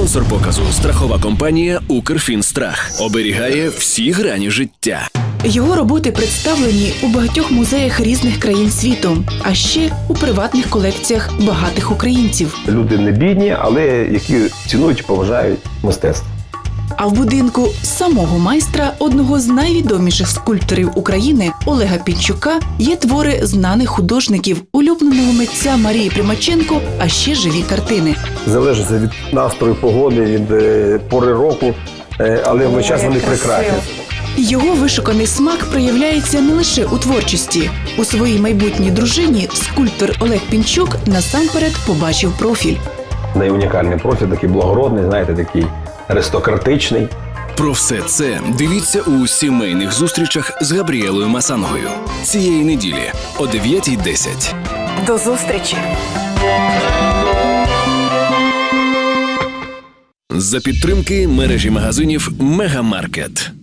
Спонсор показу – страхова компанія «Укрфінстрах». Оберігає всі грані життя. Його роботи представлені у багатьох музеях різних країн світу, а ще у приватних колекціях багатих українців. Люди не бідні, але які цінують і поважають мистецтво. А в будинку самого майстра, одного з найвідоміших скульпторів України Олега Пінчука, є твори знаних художників, улюбленого митця Марії Примаченко, а ще живі картини. Залежить від настрою, погоди, від пори року, але весь час вони прекрасні. Його вишуканий смак проявляється не лише у творчості. У своїй майбутній дружині скульптор Олег Пінчук насамперед побачив профіль. Найунікальний профіль, такий благородний, знаєте, такий аристократичний. Про все це дивіться у сімейних зустрічах з Габріелою Масангою. Цієї неділі о 9:10. До зустрічі! За підтримки мережі магазинів «Мегамаркет».